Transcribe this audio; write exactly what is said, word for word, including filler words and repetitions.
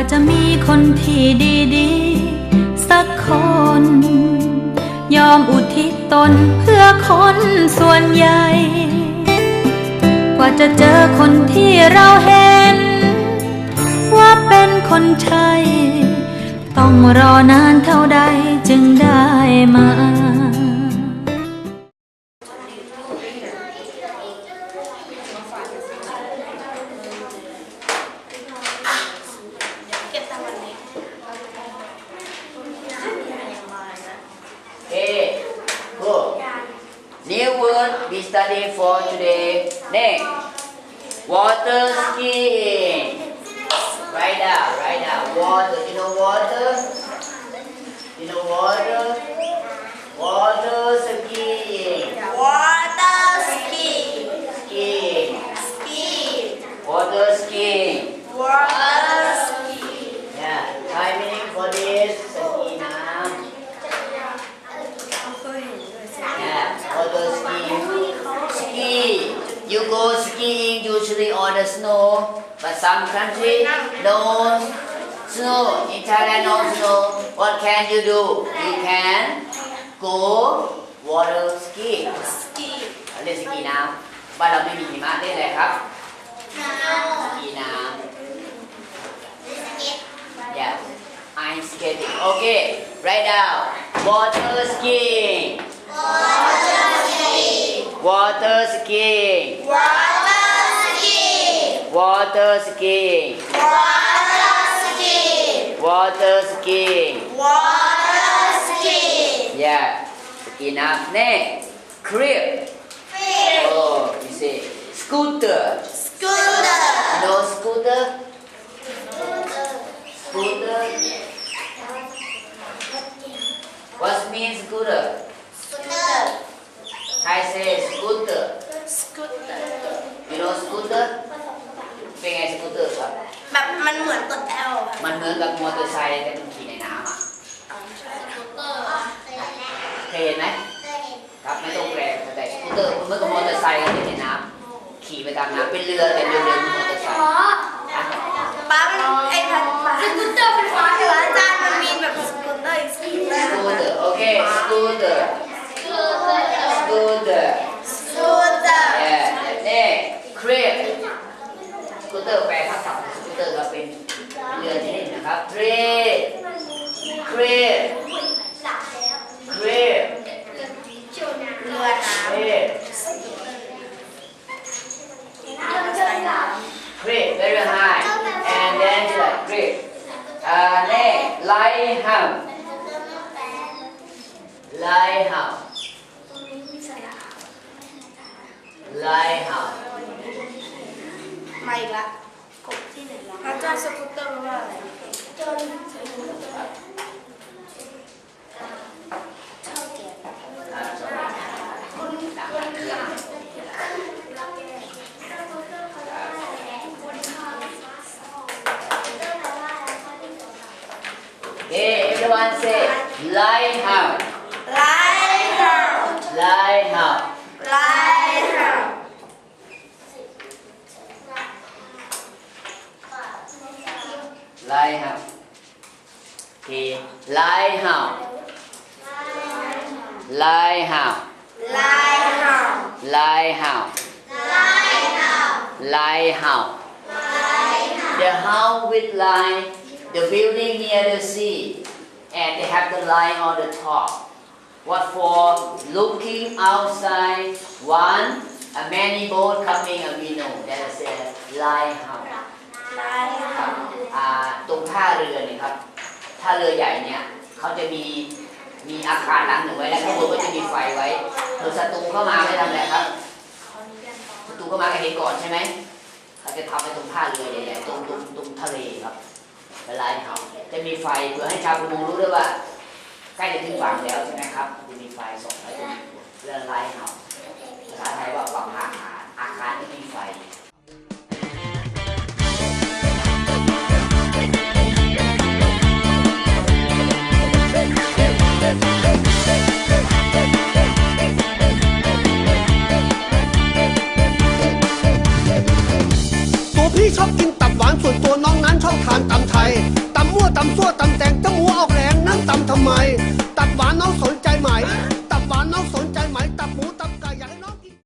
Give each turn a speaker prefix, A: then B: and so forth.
A: จะมีคนที่ดีๆสักคนยอมอุทิศตนเพื่อคนส่วนใหญ่กว่าจะเจอคนที่เราเห็นว่าเป็นคนใช่ต้องรอนานเท่าใดจึงได้มา
B: New word we study for today. Next, water skiing. Write down, write down. Water. You know water? You know water? Water skiing.
C: Water skiing.
B: Skiing.
C: Skiing.
B: Water skiing.
C: Water skiing.
B: Yeah. Thai meaning for this. Ski น้ำ Yeah. Water skiing. Ski. You go skiing usually on the snow, but some country no snow. In Thailand no snow. What can you do? You can go water ski.
C: Ski.
B: เล่นสกีน้ำบ้านเราไม่มีหิมะเล่นอะไรครับสกีน้ำ Yeah. Ice skating. Okay. Write down. Water skiing.
C: Water skiing.
B: Water skiing.
C: Water skiing.
B: Water skiing.
C: Water skiing.
B: Water skiing.
C: Water skiing.
B: Yeah. สกีน้ำ Next. Crib.
C: Fish.
B: Oh, you say scooter.
C: Scooter.
B: You know scooter? Scooter. What means scooter?
C: Scooter.
B: I say scooter.
C: Scooter.
B: You know scooter? เป็นไงสกูตเตอร์ครับ
C: แบบมันเหมือนกดแอลค่ะ
B: มันเหมือนกับมอเตอร์ไซค์แต่มันขี่ในน้ำอ่ะ
C: สกูตเตอร์
B: เคยเห็นไหมครับไม่ต้องแปลแต่สกูตเตอร์มันเหมือนกับมอเตอร์ไซค์ที่ในน้ำขี่ไปตามน้ำเป็นเรือแต่เรือเรือมอเตอร์ไซค์
C: ป้ามันไอ้พันป้าสกูตเตอร์เป็นฟ้าแต่ว่าอาจารย์มันมีแบบสกูตเตอร์อีกสี
B: สกูตเตอร์โอเคสกูตเตอร์สกูตเตอร์
C: สกูตเตอร์
B: เอ่อนี่เครปสกูตเตอร์แปลภาษาสกูตเตอร์ก็เป็นเรือที่นี่นะครับเครปเครปเครป
C: เรือน้ำ
B: เครป Great, very high, and then it's like great. Uh, next, lighthouse. Lighthouse. Lighthouse.
C: มาอีกละกบที่ไหนละอาจารย์สกูตเตอร์ว่าอะไรจนชอบแก่
B: Okay, everyone say lighthouse.
C: ไลท์เฮาส์
B: Lighthouse.
C: ไลท์เฮาส์
B: Lighthouse. Okay, lighthouse. Lighthouse.
C: ไลท์เฮาส์
B: Lighthouse.
C: ไลท์เฮาส์
B: Lighthouse. The house with line, the building near the sea, and they have the line on the top. What for? Looking outside, one, a many boat coming, and we know that is a lighthouse.
C: ไลท์เฮาส์
B: อ่าตรงท่าเรือเนี่ยครับท่าเรือใหญ่เนี่ยเขาจะมีมีอาคารหลังหนึ่งไว้แล้วข้างบนก็จะมีไฟไว้เผื่อศัตรูเข้ามาไม่ทำอะไรครับศัตรูเข้ามาก็เห็นก่อนใช่ไหมเขาจะทำไว้ตรงท่าเรือใหญ่ๆตรงตรงตรงทะเลครับเวลาเขาจะมีไฟเพื่อให้ชาวประมงรู้ด้วยว่าใกล้จะถึงฝั่งแล้วใช่ไหมครับจะมีไฟส่องไว้ตรงเรือไลท์เฮาส์ภาษาไทยว่าฝั่งอาคารอาคารที่มีไฟ
D: ตัวพี่ชอบกินตับหวานส่วนตัวน้องนั้นชอบทานตำไทยตำมั่วตำซั่วตำแตงตำหัวออกแรงนั้นตำทำไมตัดหวานน้องสน